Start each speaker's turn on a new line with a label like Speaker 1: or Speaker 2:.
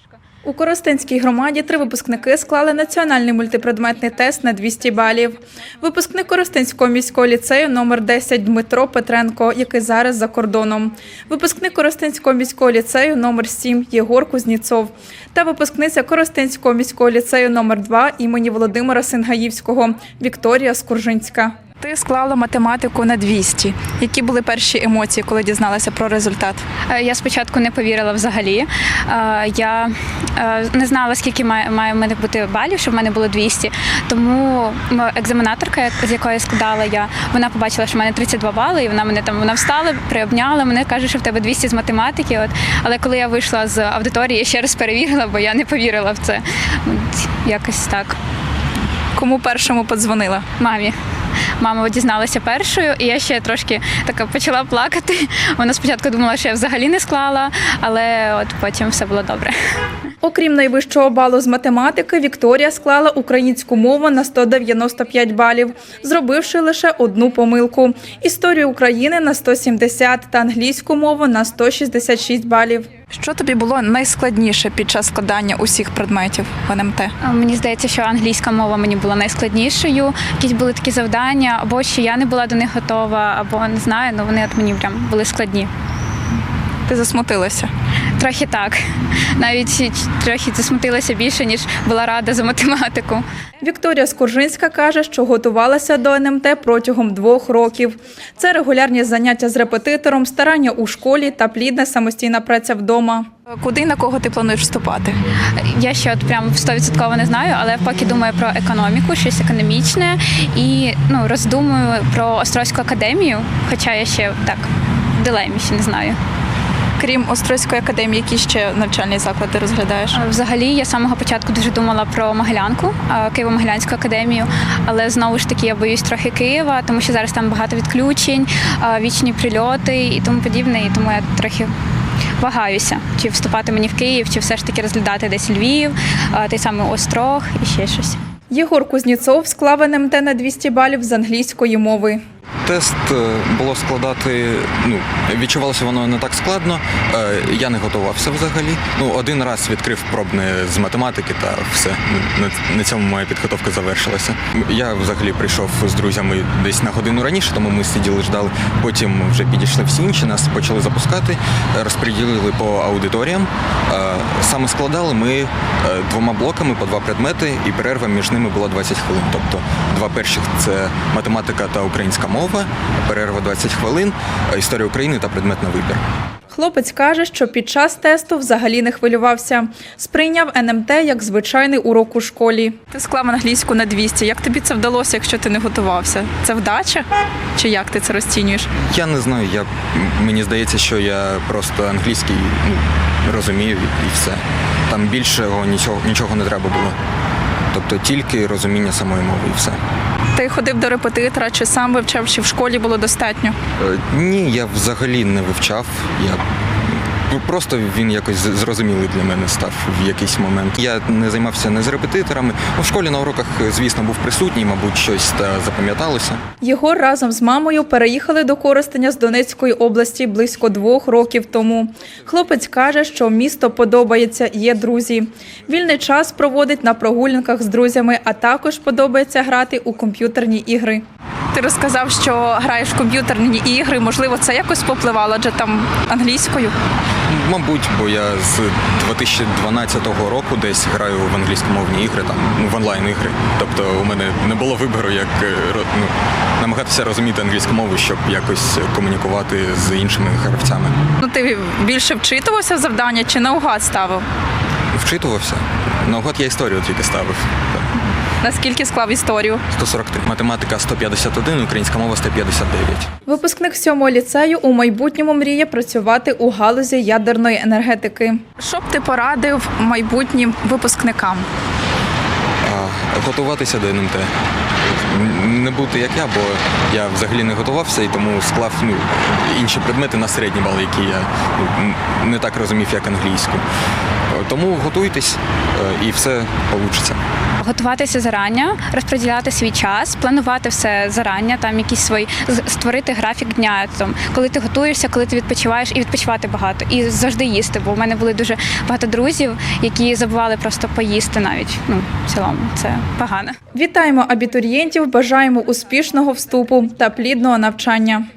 Speaker 1: У Коростенській громаді 3 випускники склали національний мультипредметний тест на 200 балів. Випускник Коростенського міського ліцею номер 10 Дмитро Петренко, який зараз за кордоном. Випускник Коростенського міського ліцею номер 7 Єгор Кузніцов. Та випускниця Коростенського міського ліцею номер 2 імені Володимира Сингаївського Вікторія Скуржинська. Ти склала математику на 200. Які були перші емоції, коли дізналася про результат?
Speaker 2: Я спочатку не повірила взагалі. Я не знала, скільки має в мене бути балів, щоб в мене було 200. Тому екзаменаторка, з якої складала вона побачила, що в мене 32 бали, і вона встала, приобняла мене, каже, що в тебе 200 з математики. Але коли я вийшла з аудиторії, я ще раз перевірила, бо я не повірила в це. Якось так.
Speaker 1: Кому першому подзвонила?
Speaker 2: Мамі. Мама дізналася першою, і я ще трошки почала плакати. Вона спочатку думала, що я взагалі не склала, але потім все було добре.
Speaker 1: Окрім найвищого балу з математики, Вікторія склала українську мову на 195 балів, зробивши лише одну помилку. Історію України на 170 та англійську мову на 166 балів. Що тобі було найскладніше під час складання усіх предметів в НМТ?
Speaker 2: Мені здається, що англійська мова мені була найскладнішою. Якісь були такі завдання, або що я не була до них готова, або не знаю, але вони мені прям були складні.
Speaker 1: Ти засмутилася?
Speaker 2: Трохи так. Навіть трохи засмутилася більше, ніж була рада за математику.
Speaker 1: Вікторія Скуржинська каже, що готувалася до НМТ протягом 2 років. Це регулярні заняття з репетитором, старання у школі та плідна самостійна праця вдома. Куди і на кого ти плануєш вступати?
Speaker 2: Я ще прям 100% не знаю, але поки думаю про економіку, щось економічне і роздумую про Острозьку академію, хоча я ще так в дилемі, ще не знаю.
Speaker 1: Крім Острозької академії, які ще навчальні заклади розглядаєш?
Speaker 2: Взагалі, я з самого початку дуже думала про Могилянку, Києво-Могилянську академію, але знову ж таки я боюсь трохи Києва, тому що зараз там багато відключень, вічні прильоти і тому подібне, і тому я трохи вагаюся, чи вступати мені в Київ, чи все ж таки розглядати десь Львів, той самий Острог і ще щось.
Speaker 1: Єгор Кузніцов склав НМТ на 200 балів з англійської мови.
Speaker 3: Тест було складати, відчувалося воно не так складно, я не готувався взагалі. Один раз відкрив пробне з математики та все, на цьому моя підготовка завершилася. Я взагалі прийшов з друзями десь на годину раніше, тому ми сиділи, ждали, потім вже підійшли всі інші, нас почали запускати, розподілили по аудиторіям. Саме складали ми 2 блоками по 2 предмети, і перерва між ними була 20 хвилин. Тобто 2 перших – це математика та українська мова, перерва 20 хвилин, історія України та предмет на вибір.
Speaker 1: Хлопець каже, що під час тесту взагалі не хвилювався. Сприйняв НМТ як звичайний урок у школі. Ти склав англійську на 200. Як тобі це вдалося, якщо ти не готувався? Це вдача? Чи як ти це розцінюєш?
Speaker 3: Я не знаю, мені здається, що я просто англійський розумію і все. Там більшого нічого не треба було. Тобто тільки розуміння самої мови і все.
Speaker 1: Ти ходив до репетитора, чи сам вивчав, чи в школі було достатньо?
Speaker 3: Ні, я взагалі не вивчав. Просто він якось зрозумілий для мене став в якийсь момент. Я не займався не з репетиторами. В школі на уроках, звісно, був присутній, мабуть, щось запам'яталося.
Speaker 1: Єгор разом з мамою переїхали до Коростеня з Донецької області близько 2 років тому. Хлопець каже, що місто подобається, є друзі. Вільний час проводить на прогулянках з друзями, а також подобається грати у комп'ютерні ігри. Ти розказав, що граєш в комп'ютерні ігри. Можливо, це якось попливало, адже там англійською?
Speaker 3: Мабуть, бо я з 2012 року десь граю в англійськомовні ігри, в онлайн-ігри. Тобто у мене не було вибору, як намагатися розуміти англійську мову, щоб якось комунікувати з іншими гравцями.
Speaker 1: Ти більше вчитувався в завдання чи наугад ставив?
Speaker 3: Вчитувався. Наугад я історію тільки ставив.
Speaker 1: Наскільки склав історію?
Speaker 3: 143. Математика 151, українська мова 159.
Speaker 1: Випускник 7-го ліцею у майбутньому мріє працювати у галузі ядерної енергетики. Що б ти порадив майбутнім випускникам?
Speaker 3: Готуватися до НМТ. Не бути як я, бо я взагалі не готувався і тому склав інші предмети на середні бали, які я не так розумів, як англійську. Тому готуйтесь і все вийде.
Speaker 2: готуватися зарання, розподіляти свій час, планувати все зарання, там якісь свої створити графік дня, там, коли ти готуєшся, коли ти відпочиваєш, і відпочивати багато, і завжди їсти, бо в мене були дуже багато друзів, які забували просто поїсти навіть. В цілому це погано.
Speaker 1: Вітаємо абітурієнтів, бажаємо успішного вступу та плідного навчання.